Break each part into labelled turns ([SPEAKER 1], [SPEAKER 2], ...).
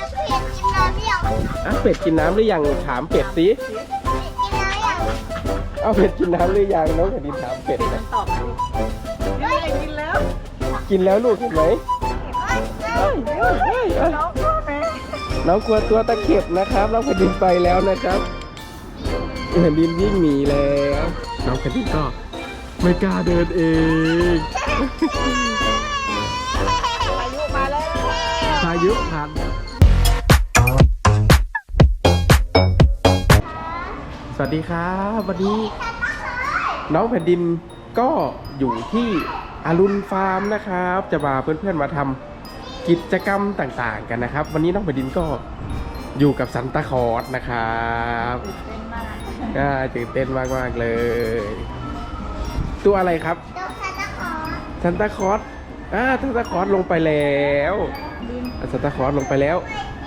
[SPEAKER 1] เป็ดกินน้ำหรือยังถามเป็ดสิเอาเป็ดกินน้ำหรือยังน้องแผ่นดินถามเป็ดนะ
[SPEAKER 2] ตอบนี่กินแล้ว
[SPEAKER 1] กินแล้วลูกเห็นไหมน้องกลัวตัวตะเข็บนะครับน้องแผ่นดินไปแล้วนะครับแผ่นดินวิ่งหนีแล้วน้องแผ่นดินก็ไม่กล้าเดินเอง
[SPEAKER 2] พายุมาแล้ว
[SPEAKER 1] พายุผ่านสวัสดีครับวันนี้น้องแผ่นดินก็อยู่ที่อรุณฟาร์มนะครับจะพาเพื่อนๆมาทำกิจกรรมต่างๆกันนะครับวันนี้น้องแผ่นดินก็อยู่กับซันตาคลอสนะครับตื่นเต้นมากๆเลยตัวอะไรครับซันตาคลอสซันตาคลอสลงไปแล้วซันตาคลอสลงไปแล้ว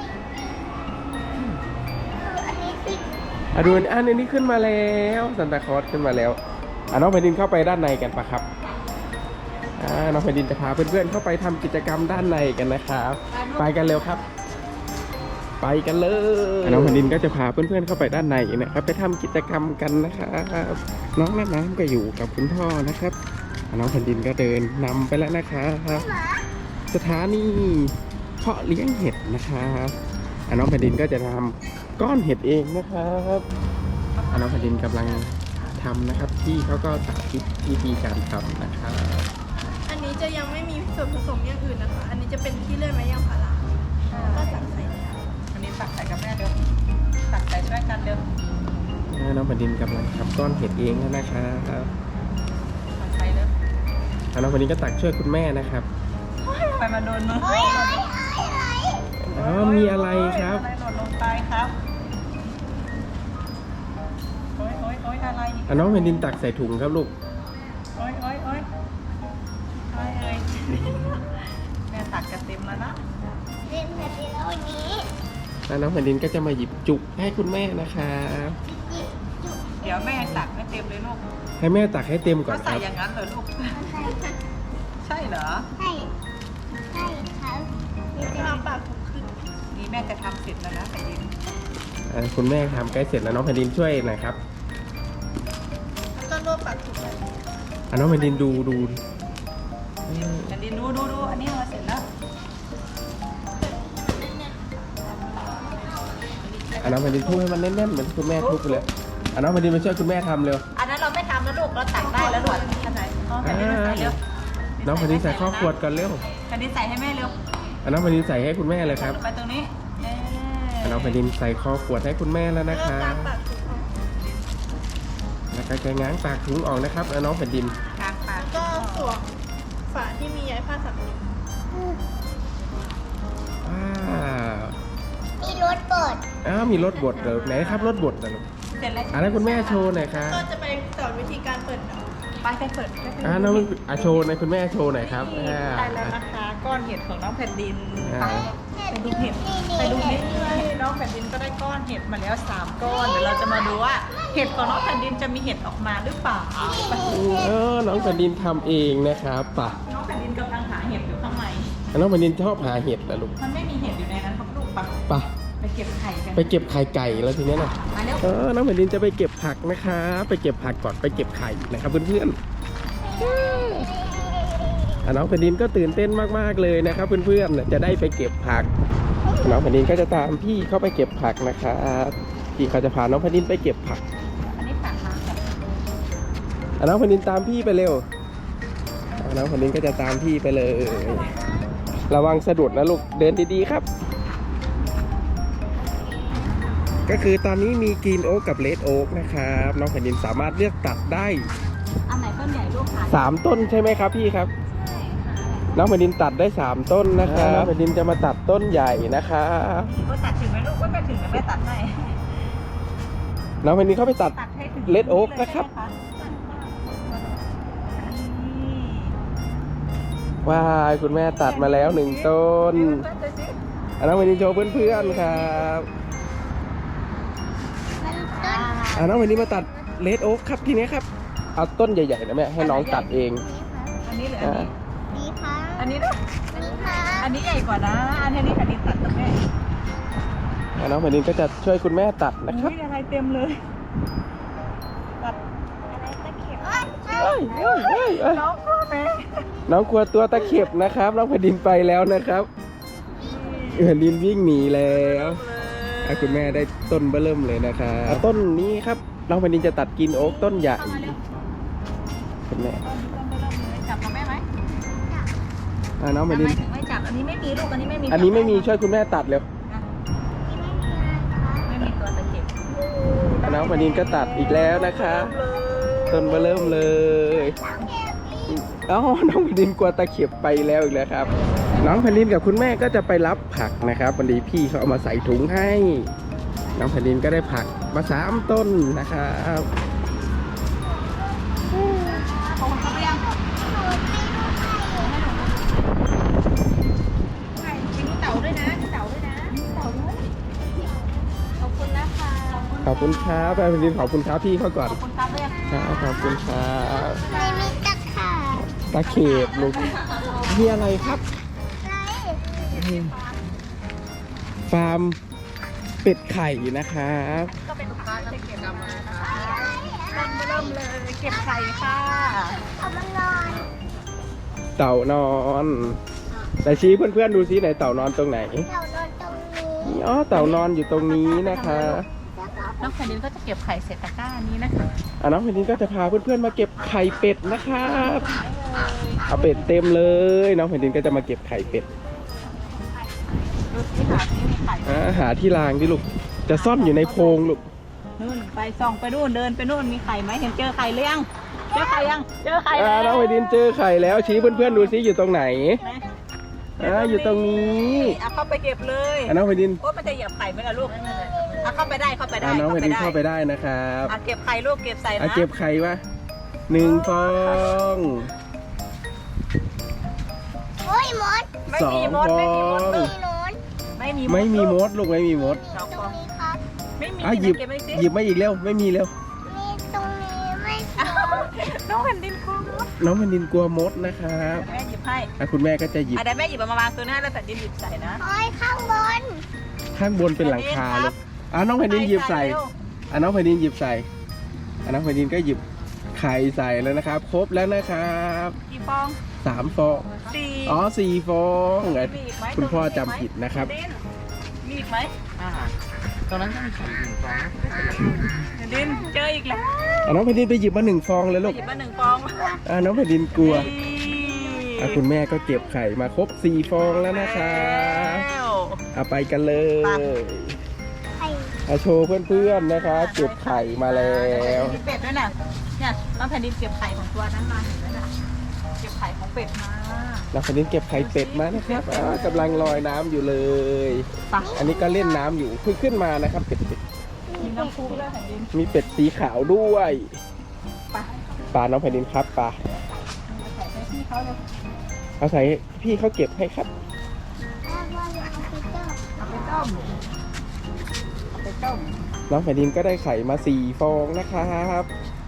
[SPEAKER 1] ดูอันนี้ขึ้นมาแล้วซันตาคลอสขึ้นมาแล้วน้องแผ่นดินเข้าไปด้านในกันปะครับน้องแผ่นดินจะพาเพื่อนๆเข้าไปทำกิจกรรมด้านในกันนะครับไปกันเร็วครับไปกันเลยน้องแผ่นดินก็จะพาเพื่อนๆเข้าไปด้านในนะครับไปทำกิจกรรมกันนะครับน้องน้ำก็อยู่กับคุณพ่อนะครับน้องแผ่นดินก็เดินนำไปแล้วนะครับสถานีเพาะเลี้ยงเห็ดนะครับน้องแผ่นดินก็จะทำก้อนเห็ดเองนะครับน้องแผ่นดินกำลังทำนะครับที่เขาก็สาธิตวิธีการทำนะครับ
[SPEAKER 3] อันนี้จะยังไม่มีส่วนผสมอย่างอื่นนะคะอันนี้จะเป็นที่เลื่อยไม้ยางพาราก็ตักใส่
[SPEAKER 2] อันนี้ตักใส่กับแม่เดี๋ยวตักใส่ช่วยกันเดี๋ยว
[SPEAKER 1] น้องแผ่นดินกำลังทำก้อนเห็ดเองแล้วนะครับ
[SPEAKER 2] ใส่เลย
[SPEAKER 1] น้องแผ่นดินก็ตักช่วยคุณแม่นะครับ
[SPEAKER 2] ไปมาโดนมือ
[SPEAKER 1] มีอะไรครับ
[SPEAKER 2] อะไรหล่นลงไปครับโอ๊ยอะไร
[SPEAKER 1] น้องแผ่นดินตักใส่ถุงครับลูก
[SPEAKER 2] โอ๊ยแม่ตักจะเต็มแล้วนะ
[SPEAKER 3] เต็มแบบนี้แล้ววันนี้
[SPEAKER 1] น้องแผ่นดินก็จะมาหยิบจุกให้คุณแม่นะครับ
[SPEAKER 2] เดี๋ยวแม่ตักไม่เต็มเลยลูก
[SPEAKER 1] ให้แม่ตักให้เต็มก่อน
[SPEAKER 2] ก็ใส่อย่างนั้นเหรอลูกใช่เหรอ
[SPEAKER 3] ใช่ครับทำปากถุงขึ้น
[SPEAKER 2] นี่แม่จะทำเสร็จแล้วนะแผ่นดิน
[SPEAKER 1] คุณแม่ทำใกล้เสร็จแล้วน้องแผ่นดินช่วยหน่อยครับ
[SPEAKER 3] แล้วก็รวบปากถุงแบบนี้
[SPEAKER 1] น้องแผ่นดินดู
[SPEAKER 2] แผ่นดินดูอันนี้มาเสร็จแล้ว
[SPEAKER 1] น้องแผ่นดินทุบให้มันแน่นๆเหมือนคุณแม่ทุบไปเลยน้องแผ่นดินมาช่วยคุณแม่ทำเร็ว
[SPEAKER 2] อันนั้นเราไม่ทำแล้วลูกเราตักได้แล้วลูกอันไหนแผ่นดินใส่เร็ว
[SPEAKER 1] น้องแผ่นดินใส่ข้อขวดก่อนเร็ว
[SPEAKER 2] แผ่นดินใส่ให้แม่เร็ว
[SPEAKER 1] น้องแผ่นดินใส่ให้คุณแม่เลยครับ
[SPEAKER 2] ไปตรงนี้
[SPEAKER 1] น้องแผ่นดินใส่ข้อขวดให้คุณแม่แล้วนะครับแล้วก็จะง้างปากถุงออกนะครับแล้วน้องแผ่นดิน
[SPEAKER 3] ก็สวมฝาที่มีใยผ้าสำลีมีรถบด
[SPEAKER 1] มีรถบดเหรอไหนครับรถบดนะลูก
[SPEAKER 2] เสร็จแล้ว
[SPEAKER 1] แล้วคุณแม่โชว์หน่อยครับ
[SPEAKER 3] ก็จะไปสอนวิธีการเปิด
[SPEAKER 2] ไปเปิด
[SPEAKER 1] น้องโชว์หน่อยคุณแม่โชว์หน่อยครับ
[SPEAKER 2] ได้แล้วนะคะก้อนเห็ดของน้องแผ่นดินไปดูเห็ดน้องแผ่นดินก็ได้ก้อนเห็ดมาแล้ว3ก้อนเดี๋ยวเราจะมาดูว่าเห็ดของน้องแผ่นดินจะมีเห็ดออกมาหรือเปล่า
[SPEAKER 1] น้องแผ่นดินทำเองนะครับ
[SPEAKER 2] น้องแผ่นดินกำลังหาเห็ดอยู่ข้างใน
[SPEAKER 1] น้องแผ่นดินชอบหาเห็ดนะลูก
[SPEAKER 2] มันไม่มีเห็ดอยู่ในนั้นครับลูกไปเก็บไข่กัน
[SPEAKER 1] ไปเก็บไข่ไก่แล้วทีนี้นะน้องแผ่นดินจะไปเก็บผักนะคะไปเก็บผักก่อนไปเก็บไข่นะครับเพื่อนๆน้องแผ่นดินก็ตื่นเต้นมากๆเลยนะครับเพื่อนๆจะได้ไปเก็บผักน้องแผ่นดินก็จะตามพี่เข้าไปเก็บผักนะครับพี่เขาจะพาน้องแผ่นดินไปเก็บผัก
[SPEAKER 2] อันนี้ตักมา
[SPEAKER 1] ค่ะน้องแผ่นดินตามพี่ไปเร็วน้องแผ่นดินก็จะตามพี่ไปเลยระวังสะดุดนะลูกเดินดีๆครับก็คือตอนนี้มีกรีนโอ๊กกับเรดโอ๊กนะครับน้องแผ่นดินสามารถเลือกตัดได้
[SPEAKER 2] อันไหนต้นใหญ่ลูกค่ะ
[SPEAKER 1] 3ต้นใช่ไหมครับพี่ครับน้องแผ่นดินตัดได้3ต้นนะครับน้องแผ่นดินจะมาตัดต้นใหญ่นะครับ
[SPEAKER 2] ก็ตัดถึงไหมลูกก็ไม่ถึงไม่ตัดให้
[SPEAKER 1] น้องแผ่นดินเข้าไปตัดเรดโอ๊กนะครับว้าวคุณแม่ตัดมาแล้ว1ต้นน้องแผ่นดินโชว์เพื่อนๆครับน้องแผ่นดินมาตัดเรดโอ๊กครับทีนี้ครับเอาต้นใหญ่ๆนะแม่ให้น้องตัดเอง
[SPEAKER 2] อันนี้หรืออันนี้
[SPEAKER 3] ค่ะ
[SPEAKER 2] อันนี้ด้วยอันนี้ใหญ่กว่านะอันนี้แผ่นดินตัดตรงนี้
[SPEAKER 1] น้องแผ่นดินก็จะช่วยคุณแม่ตัดนะครับ
[SPEAKER 2] อุ๊ยอะไรเต็มเลยตัด
[SPEAKER 1] เอ้ยเอ้ยเอ้ยเอ้ย
[SPEAKER 2] น้องพ่อแม่
[SPEAKER 1] น้องกลัวตัวตะเข็บนะครับน้องแผ่นดินไปแล้วนะครับแผ่นดินวิ่งหนีแล้วคุณแม่ได้ต้นเบิ่มเลยนะครับต้นนี้ครับน้องแผ่นดินจะตัดกินโอ๊กต้นใหญ่คุณแม่
[SPEAKER 2] จับกับแม่ไหม
[SPEAKER 1] น้องแผ่นดิน
[SPEAKER 2] ทำไมถึงไม่จับอันนี้ไม่มีลูกอันนี้ไม่มี
[SPEAKER 1] อันนี้ไม่มีช่วยคุณแม่ตัดเร็ว
[SPEAKER 2] ไม่มีตัวตะเข็บ
[SPEAKER 1] น้องแผ่นดินก็ตัดอีกแล้วนะคะต้นเบิ่มเลยน้องแผ่นดินกลัวตะเข็บไปแล้วอีกแล้วครับน้องแผ่นดินกับคุณแม่ก็จะไปรับผักนะครับวันนี้พี่เขาเอามาใส่ถุงให้น้องแผ่นดินก็ได้ผักมา3 ต้นนะครับ
[SPEAKER 2] ขอบคุณครับยังกินเต่าด้วยนะเต่าด้วยนะเต่าด้วยขอบคุณนะคะ
[SPEAKER 1] ขอบคุณครับแผ่นดินขอบคุณครับพี่เขาก่อน
[SPEAKER 2] ขอบคุณครับด้วย
[SPEAKER 1] ครับขอบคุณครับ
[SPEAKER 3] ไม่มีตะขาบ
[SPEAKER 1] ตะเข็บลูกมีอะไรครับฟาร์มเป็ดไข่นะครับ
[SPEAKER 2] ก็เป็นปลาตะเข็บมานะคะเริ่มเลยเก็บไข่ค่ะ
[SPEAKER 3] เอามานอน
[SPEAKER 1] เต่านอนแต่ชี้เพื่อนๆดูซิไหนเต่านอนตรงไหน
[SPEAKER 3] เรานอนตรงนี้
[SPEAKER 1] อ๋อเต่านอนอยู่ตรงนี้นะคะ
[SPEAKER 2] น้องแผ่นดินก็จะเก็บไข่เศษตะกร้านี้นะคะ
[SPEAKER 1] น้องแผ่นดินก็จะพาเพื่อนๆมาเก็บไข่เป็ดนะครับเอาเป็ดเต็มเลยน้องแผ่นดินก็จะมาเก็บไข่เป็ด
[SPEAKER 2] ดูสิหาที่มีไข่
[SPEAKER 1] หาที่รางดิลูกจะซ่อนอยู่ในโพรงลูก
[SPEAKER 2] นู่นไปส่องไปนู่นเดินไปนู่นมีไข่ไหมเห็นเจอไข่หรือยังเจอไข่ยังเจอไข่แล้ว
[SPEAKER 1] น้องแผ่นดินเจอไข่แล้วชี้เพื่อนๆดูซิอยู่ตรงไหน อยู่ตรงนี้
[SPEAKER 2] เอาเข้าไปเก็บเลย
[SPEAKER 1] น้องแผ่นดิน
[SPEAKER 2] โอ้มันจะเหยียบไข่ไหมล่ะลูกเอาเข้าไปได้เข้าไปได้
[SPEAKER 1] น้องแผ่นดินเข้าไปได้นะครับ
[SPEAKER 2] เอาเก็บไข่ลูกเก็บใส่นะ
[SPEAKER 1] เก็บไข่วะ1 ฟอง
[SPEAKER 3] โอ้ยมด
[SPEAKER 2] ไม่มีมด
[SPEAKER 1] 2 ฟ
[SPEAKER 2] ไม่
[SPEAKER 1] อ
[SPEAKER 2] มีมด
[SPEAKER 1] ง
[SPEAKER 2] ลูก
[SPEAKER 3] โน้น
[SPEAKER 2] ไม่มี
[SPEAKER 1] ไม่มีม
[SPEAKER 2] ลูก
[SPEAKER 1] ดลูกไม่มีมด
[SPEAKER 2] สอง
[SPEAKER 3] ต
[SPEAKER 2] ฟ
[SPEAKER 3] ร
[SPEAKER 2] อง ง
[SPEAKER 3] นี้ครับ
[SPEAKER 2] ไม่มี
[SPEAKER 1] หยิบ
[SPEAKER 2] เก็บไว้สิ
[SPEAKER 1] หยิบมาอีกเร็วไม่มีเร็ว
[SPEAKER 3] มีตรงนี้ไม่
[SPEAKER 2] อ้าวน้องแผ่นดินคอ
[SPEAKER 1] น้องแผ่นดินกลัวมดนะครับ
[SPEAKER 2] แม่หยิบให้
[SPEAKER 1] คุณแม่ก็จะหยิบ
[SPEAKER 2] อ่ะเดี๋ยวแม่หยิบเอามาวางตัวหน้าแล้วแผ่นดินหยิบใส่นะ
[SPEAKER 3] โอ้ยข้างบน
[SPEAKER 1] ข้างบนเป็นหลังคา
[SPEAKER 2] แผ่นดินครั
[SPEAKER 1] ลู
[SPEAKER 2] บ
[SPEAKER 1] กน้องแผ่นดินหยิบใส่
[SPEAKER 2] เร็ว
[SPEAKER 1] น้องแผ่นดินหยิบใส่น้องแผ่นดินก็หยิบไข่ใส่แล้วนะครับ ครบแล้วนะครับ
[SPEAKER 2] กี่ฟอง
[SPEAKER 1] 3 ฟอง
[SPEAKER 2] สี่
[SPEAKER 1] อ๋อ4 ฟอง
[SPEAKER 2] มีอีกไหม
[SPEAKER 1] คุณพ่อ
[SPEAKER 2] ตรงนี้
[SPEAKER 1] จำผิดนะครับ
[SPEAKER 2] แผ่ดิมีอีกไหม
[SPEAKER 4] ตอนนั้นก็มีไข่1 ฟอง
[SPEAKER 2] แผ่นดินเจออีกแล้ว
[SPEAKER 1] น้องแผ่นดินไปหยิบมา1 ฟองเลยลูก
[SPEAKER 2] หยิบมา1 ฟอง
[SPEAKER 1] น้องแผ่นดินกลัว
[SPEAKER 2] นี่
[SPEAKER 1] คุณแม่ก็เก็บไข่มาครบ4 ฟองแล้วนะครับ
[SPEAKER 2] แล้ว
[SPEAKER 1] เอาไปกันเลย
[SPEAKER 2] ไป
[SPEAKER 3] ไข่
[SPEAKER 1] เอาโชว์เพื่อนๆนะครับเก็บไข่มาแล้ว
[SPEAKER 2] มีเป็ดด้วยน่ะเนี่ยน้องแผ่นดินเก็บไข่ของตัวนั้นมาเห็นไหมน่ะเก็บไข่ของเป็ดมา
[SPEAKER 1] น้องแผ่นดินเก็บไข่เป็ดมานะครับกำลังลอยน้ำอยู่เลย
[SPEAKER 2] ไป
[SPEAKER 1] อันนี้ก็เล่นน้ำอยู่เพิ่งขึ้นมานะครับเป็ด
[SPEAKER 2] มีน้ำพุด้วยแผ่นดิน
[SPEAKER 1] มีเป็ดสีขาวด้วย
[SPEAKER 2] ไป
[SPEAKER 1] ปลาน้องแผ่นดินครับปลา
[SPEAKER 2] ใส่ให้พี่เขาเลย
[SPEAKER 1] เอาใส่พี่เขาเก็บให้ครับ
[SPEAKER 3] แล้วว่าจะเอาไปต้ม
[SPEAKER 2] เอาไปต้มเอาไปต้ม
[SPEAKER 1] น้องแผ่นดินก็ได้ไข่มา4 ฟองนะครับ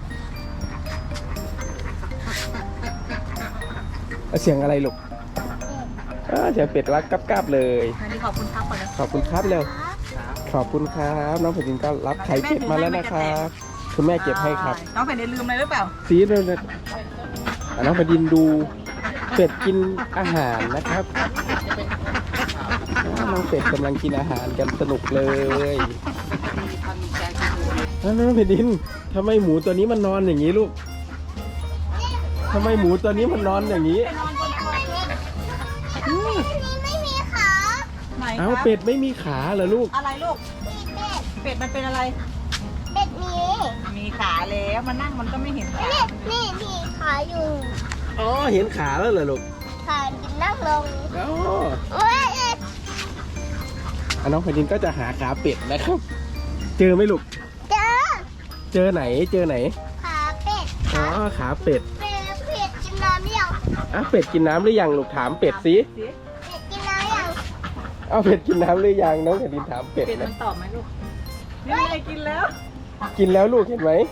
[SPEAKER 1] เสียงอะไรลูกเสียงเป็ดรักกับๆเลย
[SPEAKER 2] แผ่นดินขอบคุณครับก่อนนะ
[SPEAKER 1] ขอบคุณครับเร็ว
[SPEAKER 3] ครับ
[SPEAKER 1] ขอบคุณครับน้องแผ่นดินก็รับไข่เป็ดมาแล้วนะครับคุณแม่เก็บให้ครับ
[SPEAKER 2] น้องแผ่นดินลืมอะไรหรือเปล่า
[SPEAKER 1] สีเลยนะน้องแผ่นดินดูเป็ดกินอาหารนะครับน้องเป็ดกำลังกินอาหารกันสนุกเลยน้องแผ่นดินทำไมหมูตัวนี้มันนอนอย่างนี้ลูกทำไมหมูตัวนี้มันนอนอย่างนี้
[SPEAKER 3] นี่ไม่มีขา
[SPEAKER 2] ไหน
[SPEAKER 1] เอ้า
[SPEAKER 2] ครับ
[SPEAKER 1] เป็ดไม่มีขาเหรอลูก
[SPEAKER 2] อะไรลูก
[SPEAKER 3] มีเป็ด
[SPEAKER 2] เป็ดมันเป็นอะไร
[SPEAKER 3] เป็ดมี
[SPEAKER 2] มีขาแล้วมานั่งมันก็ไม่เห็นขา
[SPEAKER 3] นี่มีขาอยู่
[SPEAKER 1] อ๋อเห็นขาแล้วเหรอลูก
[SPEAKER 3] ขานั่งลง
[SPEAKER 1] อ๋อ
[SPEAKER 3] โอ้ย
[SPEAKER 1] น้องแผ่นดินก็จะหาขาเป็ดนะครับ เจอไหมลูก
[SPEAKER 3] เจอ
[SPEAKER 1] เจอไหนเจอไหน
[SPEAKER 3] ขาเป็ด
[SPEAKER 1] อ๋อขาเป็ด
[SPEAKER 3] เป็ดกินน้ำยัง
[SPEAKER 1] เป็ดกินน้ำหรือยังลูกถามเป็ดสิ
[SPEAKER 3] เป็ดกินน้ำยัง
[SPEAKER 1] เป็ดกินน้ำหรือยังน้องแผ่นดินถามเป็ด
[SPEAKER 2] เป็ดมั
[SPEAKER 1] นะ
[SPEAKER 2] นตอบไหมลูกนี่ไงกินแล้ว
[SPEAKER 1] กินแล้วลูกเห็นไหม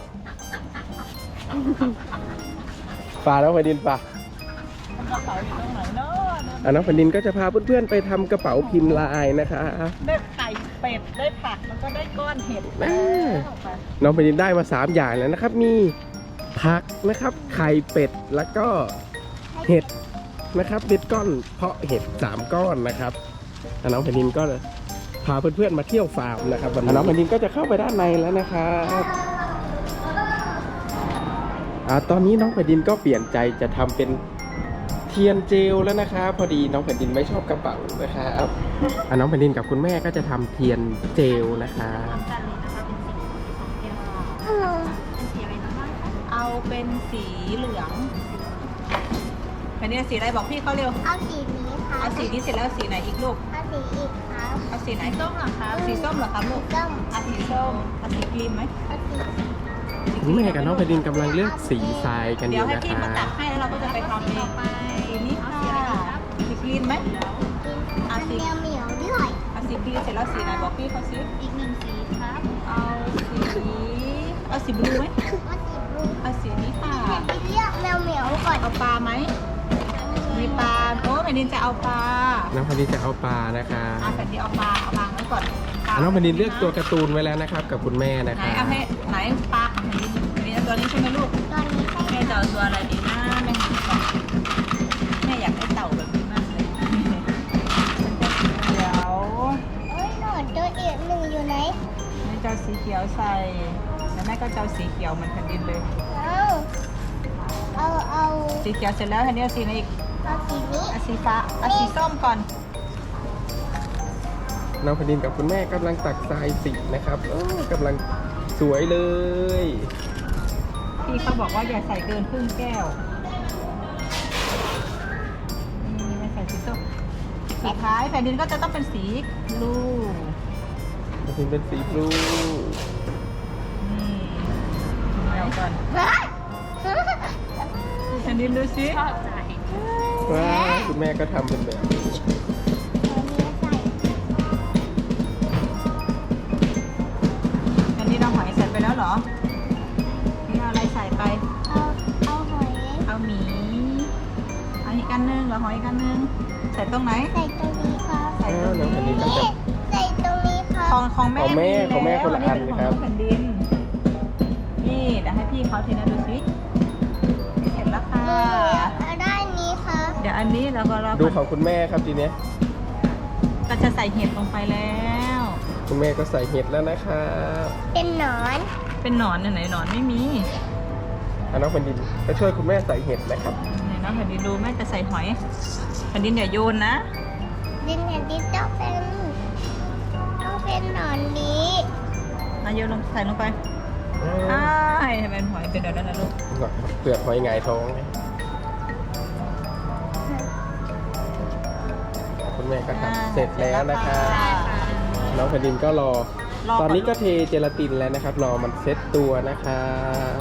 [SPEAKER 1] ปลาน้องแผ่นดินปลา
[SPEAKER 2] มันกระเป๋าอยู่ตรงไหนเนาะ
[SPEAKER 1] น้องแผ่นดินก็จะพาเพื่อนๆไปทำกระเป๋าพิมพ์ลายนะคะ
[SPEAKER 2] ได้ไข่เป็ดได้ผักแล้วก็ได้ก้อนเห็ด
[SPEAKER 1] แม่ น้องแผ่นดินได้มา3อย่างแล้วนะครับ มีผักนะครับไข่เป็ดแล้วก็เห็ดนะครับเด็ดก้อนเพาะเห็ด3ก้อนนะครับน้องแผ่นดินก็พาเพื่อนๆมาเที่ยวฟาร์มนะครับวันนี้น้องแผ่นดินก็จะเข้าไปด้านในแล้วนะครับตอนนี้น้องแผ่นดินก็เปลี่ยนใจจะทำเป็นเทียนเจลแล้วนะครับพอดีน้องแผ่นดินไม่ชอบกระเป๋านะครับน้องแผ่นดินกับคุณแม่ก็จะทำเทียนเจลนะครับ
[SPEAKER 2] เอาเป็นสีเหลืองอันนี้สีอะไรบอกพี่เขาเร็ว
[SPEAKER 5] เอาสีนี้ค่ะ
[SPEAKER 2] เอาสีนี้เสร็จแล้วสีไหนอีกลูก
[SPEAKER 5] เอาสีอีกครับ
[SPEAKER 2] เอาสีไหนส้มเหรอครับสีส้มเหรอครับลูก
[SPEAKER 5] ส้ม
[SPEAKER 2] เอาสีส้มเอาสีครีมไหม
[SPEAKER 5] เอาสี
[SPEAKER 1] คุณแม่กับน้องแผ่นดินกำลังเลือกสีทรายกันอ
[SPEAKER 2] เดี๋ยว
[SPEAKER 1] ยู่
[SPEAKER 2] ให้
[SPEAKER 1] นะ
[SPEAKER 2] พี่
[SPEAKER 1] ค
[SPEAKER 2] มา
[SPEAKER 1] รั
[SPEAKER 2] ตั
[SPEAKER 1] บ
[SPEAKER 2] ดให้แล้วเราก็จะไปทำเองสีนี้ค่ะสีครีมไหม
[SPEAKER 5] อันเหนียวเหนียวๆด้วย
[SPEAKER 2] เอาสีครีมเสร็จแล้วสีไหนบอกพี่เขาซิอีก1สีครับเอาสีบลูไหม
[SPEAKER 5] เอาสีบลู
[SPEAKER 2] เอาสีนี้ค่ะ
[SPEAKER 5] เห็นไปเรียกแมวเหมียวก่อน
[SPEAKER 2] เอาปลาไหมมีปลาโอ้แผ่นดินจะเอาปลา
[SPEAKER 1] น้องแผ่นดินจะเอาปลานะคะ
[SPEAKER 2] เอาแผ่นดินเอาปลาเอาวางไว้ก่อนปลา
[SPEAKER 1] น้องแผ่นดินเลือกตัวการ์ตูนไว้แล้วนะครับ กับคุณแม่นะ
[SPEAKER 2] ไหน
[SPEAKER 1] คะ
[SPEAKER 2] เอาให้ไหนปลาของแผ่นดินมีตัวนี้ใช่ไหมลูก
[SPEAKER 5] ตอนนี้ใคร
[SPEAKER 2] แม่จะเอาตัวอะไรดีนะแม่หาก่อนแม่อยากได้เต่าแบบนี้มากเลยเดี๋ยว
[SPEAKER 5] เอ้ยหนอนตัวอีกหนึ่งอยู่ไหน
[SPEAKER 2] แม่จะเอาสีเขียวใส่แล้วแม่ก็จะเอาสีเขียวเหมือนแผ่นดินเลย
[SPEAKER 5] เอา
[SPEAKER 2] สีเขียวเสร็จแล้วแผ่นดินเอาสีไหนอีก
[SPEAKER 5] เอาสีนี้
[SPEAKER 2] เอาสีฟ้าเอาสีส้มก่อน
[SPEAKER 1] น้องแผ่นดินกับคุณแม่กำลังตักทรายสีนะครับกำลังสวยเลย
[SPEAKER 2] พี่เขาบอกว่าอย่าใส่เกินครึ่งแก้วนี่แม่ใส่สีส้มสุดท้ายแผ่นดินก็จะต้องเป็นสีบลู
[SPEAKER 1] แผ่นดินเป็นสีบลู
[SPEAKER 2] นี่เอาก่อนแผ่นดินดูสิ
[SPEAKER 1] ว้าวคุณแม่ก็ทำเป็นแบบนี้
[SPEAKER 2] อันนี้เราหอยใส่ไปแล้วเหรอ นี่เอาอะไรใส่ไป
[SPEAKER 5] เอาหอย
[SPEAKER 2] เอาหมี เอาอีกอันนึงเหรอหอยอีกอันนึง ใส่ตรงไหน
[SPEAKER 5] ใส่ตรงนี้ครับ
[SPEAKER 2] ใส่ตรง
[SPEAKER 1] น้องแผ่นดินก็
[SPEAKER 2] นี้
[SPEAKER 1] จะ
[SPEAKER 5] ใส่ตรงนี้ครับ
[SPEAKER 2] ของแม่
[SPEAKER 1] ของแม่
[SPEAKER 2] แล้ว
[SPEAKER 1] ของแม่คนละอัน
[SPEAKER 2] เป็
[SPEAKER 1] ครับ
[SPEAKER 2] ของแผ่นดิน นี่เดี๋ยวให้พี่เขาทีนะดูสิเสร็จแล้วค่ะ
[SPEAKER 5] เอาได้นี้ครับ
[SPEAKER 2] เดี๋ยวอันนี้เราก็รอ
[SPEAKER 1] ดู
[SPEAKER 2] ก่อน
[SPEAKER 1] ของคุณแม่ครับทีเนี้ย
[SPEAKER 2] ก็จะใส่เห็ดลงไปแล้ว
[SPEAKER 1] คุณแม่ก็ใส่เห็ดแล้วนะครับ
[SPEAKER 5] เป็นหนอน
[SPEAKER 2] เป็นหนอนไหนหนอนไม่มี
[SPEAKER 1] น้องแผ่นดินไปช่วยคุณแม่ใส่เห็ดนะครับ
[SPEAKER 2] ไหนน้องแผ่นดินดูแม่จะใส่หอยแผ่นดินอย่าโยนนะ
[SPEAKER 5] ดินแผ่นดินต้องเป็นหนอนนี้
[SPEAKER 2] เอาโยนลงใส่ลงไปใช่ให้เป็นหอยเป็นเดี๋ยวนั้นนะลูก
[SPEAKER 1] เปลือกหอยหงายท้องนะคุณแม่ก็ทำเสร็จแล้วนะครับ น้องแผ่นดินก็รอ ตอนนี้ก็เทเจลาตินแล้วนะครับ รอมันเซ็ตตัวนะครับ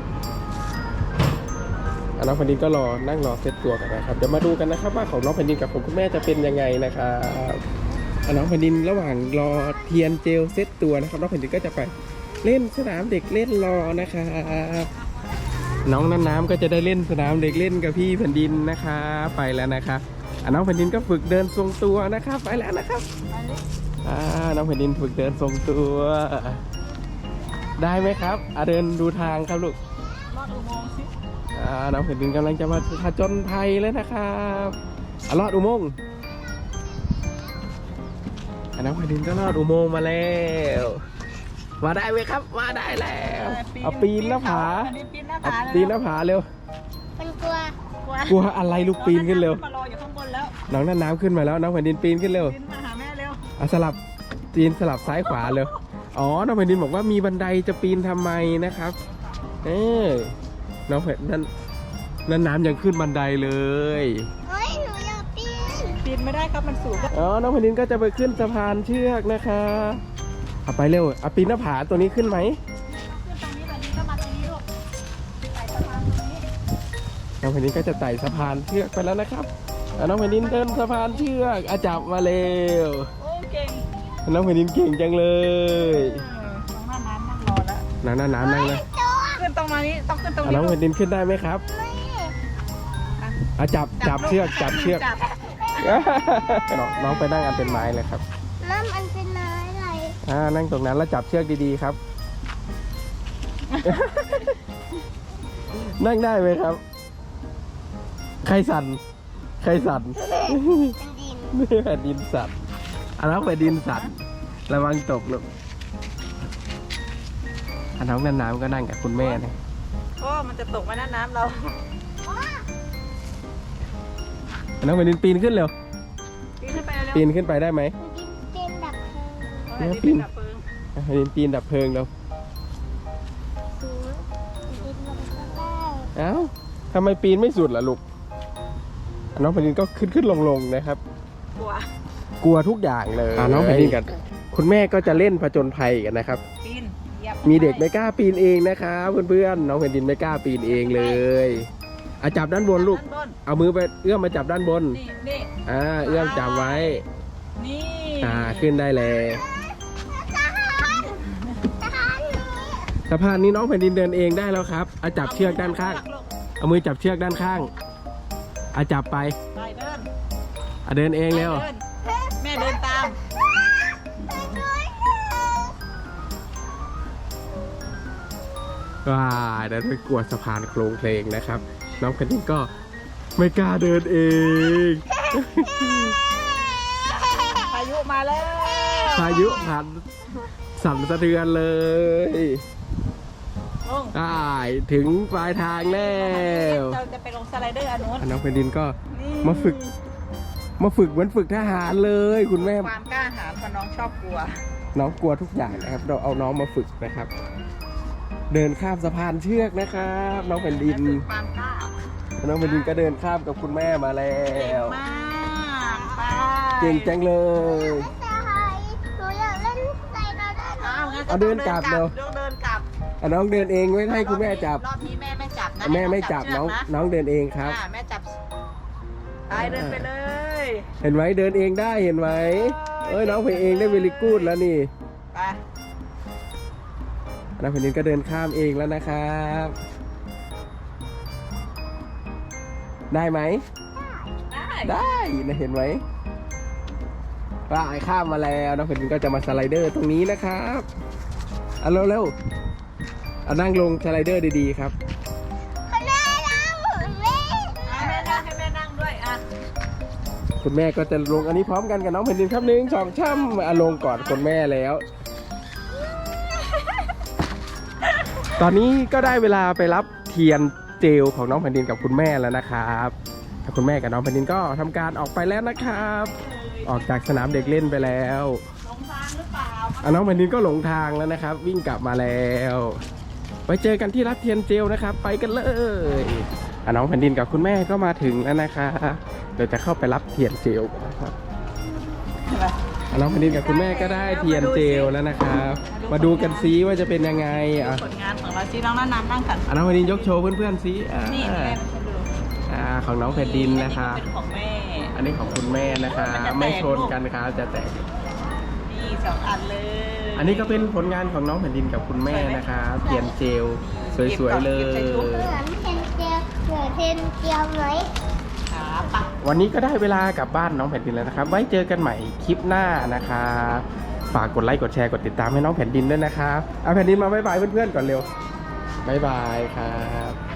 [SPEAKER 1] น้องแผ่นดินก็นั่งรอเซ็ตตัวกันนะครับ เดี๋ยวมาดูกันนะครับว่าของน้องแผ่นดินกับของคุณแม่จะเป็นยังไงนะครับน้องแผ่นดินระหว่างรอเทียนเจลเซ็ตตัวนะครับน้องแผ่นดินก็จะไปเล่นสนามเด็กเล่นรอนะครับน้องน้ำก็จะได้เล่นสนามเด็กเล่นกับพี่แผ่นดินนะคะไปแล้วนะครับน้องแผ่นดินก็ฝึกเดินทรงตัวนะครับไปแล้วนะครับน้องแผ่นดินฝึกเดินทรงตัว ได้ไหมครับเดินดูทางครับลูก
[SPEAKER 2] ลอดอุโมงค์สิ
[SPEAKER 1] น้องแผ่นดินกำลังจะมาผจญภัยแล้วนะครับลอดอุโมงค์น้องแผ่นดินก็ลอดอุโมงค์มาแล้วมาได้ไหมครับมาได้แล้วเอาปีนหน้าผา
[SPEAKER 2] ปีนหน้า
[SPEAKER 1] เอา
[SPEAKER 2] ผา
[SPEAKER 1] ปีนหน้าผาเร็ว
[SPEAKER 5] มันกลัว
[SPEAKER 1] กลัวอะไรลูกปีนขึ้นเร็ว
[SPEAKER 2] มารออยู่ข้างบนแล้ว
[SPEAKER 1] น้องนั่นน้ำขึ้นมาแล้วน้องแผ่นดินปีนขึ้นเร็ว
[SPEAKER 2] ปีนมาหาแม่เร็ว
[SPEAKER 1] สลับปีนสลับซ้ายขวาเร็วอ๋อน้องแผ่นดินบอกว่ามีบันไดจะปีนทำไมนะครับน้องแผ่นนั่นน้ำยังขึ้นบันไดเลย
[SPEAKER 5] เฮ้ย หนูอยากปีน
[SPEAKER 2] ปีนไม่ได้ครับมันสูง
[SPEAKER 1] อ๋อน้องแผ่นดินก็จะไปขึ้นสะพานเชือกนะคะเอาไปเร็วเอาปีนหน้าผาตัวนี้ขึ้นไหม
[SPEAKER 2] ขึ้นตรงนี้แบบนี้ก็มาตรงนี้ลูกใส่สะพานตรงนี้
[SPEAKER 1] น้องแผ่นดินก็จะไต่สะพานเชือกไปแล้วนะครับน้องแผ่นดินเดินสะพานเชือกจับมาเร็ว
[SPEAKER 2] โอ้เก่ง
[SPEAKER 1] น้องแผ่นดินเก่งจังเลย
[SPEAKER 2] น้องน้ำนั่งรอแล้ว
[SPEAKER 1] น้ำนั่งเลย
[SPEAKER 2] ขึ้นตรงนี้ต้องขึ้นตรง
[SPEAKER 1] น้อง
[SPEAKER 2] นี้
[SPEAKER 1] แผ่นดินขึ้นได้ไหมครับ
[SPEAKER 5] ไม่
[SPEAKER 1] จับเชือกจับเชือก
[SPEAKER 2] จับ
[SPEAKER 5] ไม่
[SPEAKER 1] น้องไปนั่งอันเป็นไม้เลยครับ
[SPEAKER 5] น้ำมันเป็นไม้อะไร
[SPEAKER 1] นั่งตรงนั้นแล้วจับเชือกดีๆครับ นั่งได้ไหมครับ ใครสั่น ใครสั่น
[SPEAKER 5] เป็นดิน
[SPEAKER 1] นี่แผ่นดินสั่นน้องแผ่นดินสั่น ระวังตกลูกน้องน้ำก็นั่งกับคุณแม่นะ
[SPEAKER 2] โอ้มันจะตกไหมนะน้ำเรา
[SPEAKER 1] น้องแผ่นดินปีนขึ้นเร็ว
[SPEAKER 2] ปีนขึ้นไปเร็ว
[SPEAKER 1] ปีนขึ้นไปได้ไหม
[SPEAKER 5] ดินเป็นดับเพลิง
[SPEAKER 2] แผ่นดินเป็นดับเพลิง
[SPEAKER 1] แผ่นดินปีนดับเพลิงเร็ว
[SPEAKER 5] สูงดินลงข้างล่าง
[SPEAKER 1] เอ้าทำไมปีนไม่สุดล่ะลูก น้องแผ่นดินก็ขึ้นลงนะครับ
[SPEAKER 2] กลัว
[SPEAKER 1] กลัวทุกอย่างเลยน้องแผ่นดินกับคุณแม่ก็จะเล่นผจญภัยกันนะครับ
[SPEAKER 2] ปีนเหยียบ
[SPEAKER 1] มีเด็กไม่กล้าปีนเองนะครับเพื่อนๆน้องแผ่นดินไม่กล้าปีนเองเลยจับด้านบนลูก
[SPEAKER 2] ด้านบน
[SPEAKER 1] เอามือไปเอื้อมมาจับด้านบน
[SPEAKER 2] นี่
[SPEAKER 1] เอื้อมจับไว้
[SPEAKER 2] นี่
[SPEAKER 1] ขึ้นได้แล้ว
[SPEAKER 5] ทหารหนู
[SPEAKER 1] สะพานนี้น้องแผ่นดินเดินเองได้แล้วครับจับเชือกด้านข้าง เอามือจับเชือกด้านข้างจับไป
[SPEAKER 2] ไปเดิน
[SPEAKER 1] เดินเองเร็ว
[SPEAKER 2] แม่เดินตาม
[SPEAKER 1] ว้าเดินไปกวดสะพานโครงเพลงนะครับ น้องแผ่นดินก็ไม่กล้าเดินเอง
[SPEAKER 2] พายุมาแล้ว
[SPEAKER 1] พายุพัดสั่นสะเทือนเลย
[SPEAKER 2] ลง
[SPEAKER 1] ถึงปลายทางแล้ว
[SPEAKER 2] เราจะไปลงสไลเดอร์อันนู้น
[SPEAKER 1] น้องแผ่นดินก็
[SPEAKER 2] นี่
[SPEAKER 1] มาฝึกเหมือนฝึกทหารเลยคุณแม่
[SPEAKER 2] ความกล้าหาญเพราะน้องชอบกลัว
[SPEAKER 1] น้องกลัวทุกอย่างนะครับ เราเอาน้องมาฝึกนะครับ เดินข้ามสะพานเชือกนะครับ น้องแผ่นดิน
[SPEAKER 2] ความกล้า
[SPEAKER 1] น้องแผ่นดินก็เดินข้ามกับคุณแม่มาแล้
[SPEAKER 2] เก่ง
[SPEAKER 1] ว
[SPEAKER 2] มากไป
[SPEAKER 1] เก่งจังเลย
[SPEAKER 5] ทหารหนูอยากเล่นใส่เราได้ไหม
[SPEAKER 2] งั้น
[SPEAKER 1] เอาเดินกลับเร็ว
[SPEAKER 2] เดินกลับ
[SPEAKER 1] น้องเดินเองไม่ให้คุณแม่จับ
[SPEAKER 2] รอบนี้แม่ไม่จับนะ
[SPEAKER 1] แม่ไม่จับ
[SPEAKER 2] เชื
[SPEAKER 1] น้
[SPEAKER 2] ก
[SPEAKER 1] อง
[SPEAKER 2] นะ
[SPEAKER 1] น้องเดินเองครับ
[SPEAKER 2] แม่จับไปเดินไปเลย
[SPEAKER 1] เห็นไหมเดินเองได้เห็นไหมน้องไปเองได้เวลิกูดแล้วนี่
[SPEAKER 2] ไป
[SPEAKER 1] น้องแผ่นดินก็เดินข้ามเองแล้วนะครับ ได้ไหม
[SPEAKER 2] ได้
[SPEAKER 1] ได้นะเห็นไหมว่าข้ามมาแล้วน้องแผ่นดินก็จะมาสไลเดอร์ตรงนี้นะครับเร็วนั่งลงสไลเดอร์ดีๆครับ
[SPEAKER 5] คนแม่เราแม่
[SPEAKER 2] ให้แม่นั่งด้วยอ่ะ
[SPEAKER 1] คุณแม่ก็จะลงอันนี้พร้อมกันกับน้องแผ่นดินครับ1 2 3ลงก่อนคุณแม่แล้ว ตอนนี้ก็ได้เวลาไปรับเทียนเจลของน้องแผ่นดินกับคุณแม่แล้วนะครับคุณแม่กับน้องแผ่นดินก็ทำการออกไปแล้วนะครับ ออกจากสนามเด็กเล่นไปแล้ว
[SPEAKER 2] หลงทางหรือเปล่า
[SPEAKER 1] น้องแผ่นดินก็หลงทางแล้วนะครับ วิ่งกลับมาแล้วไว้เจอกันที่รับเทียนเจลนะครับ ไปกันเลยน้องแผ่นดินกับคุณแม่ก็มาถึงแล้วนะครับเดี๋ยวจะเข้าไปรับเทียนเจลกันนะครับน้องแผ่นดินกับคุณแม่ก็ได้เทียนเจลแล้วนะครับ มาดูกันซิว่าจะเป็นยังไง
[SPEAKER 2] ผลงานของเราซิน้องนั่งนั่งกัน
[SPEAKER 1] น้องแผ่นดินยกโชว์เพื่อนๆซิ
[SPEAKER 2] นี่แม่ไปดู
[SPEAKER 1] ของน้องแผ่นดินนะครับ
[SPEAKER 2] เป็นของแม่
[SPEAKER 1] อันนี้ของคุณแม่นะครับไม่ชนกันครับจะแตก
[SPEAKER 2] นี่2 อันเลย
[SPEAKER 1] อันนี้ก็เป็นผลงานของน้องแผ่นดินกับคุณแม่นะครับเทียนเจลสวยๆเลย
[SPEAKER 5] เหมือนเทนเจียวเหมือนเทนเจียวไหม
[SPEAKER 2] ขาปัก
[SPEAKER 1] วันนี้ก็ได้เวลากลับบ้านน้องแผ่นดินแล้วนะครับ ไว้เจอกันใหม่คลิปหน้านะครับฝากกดไลค์กดแชร์กดติดตามให้น้องแผ่นดินด้วยนะครับเอาแผ่นดินมาบ๊ายบายเพื่อนๆก่อนเร็วบ๊ายบายครับ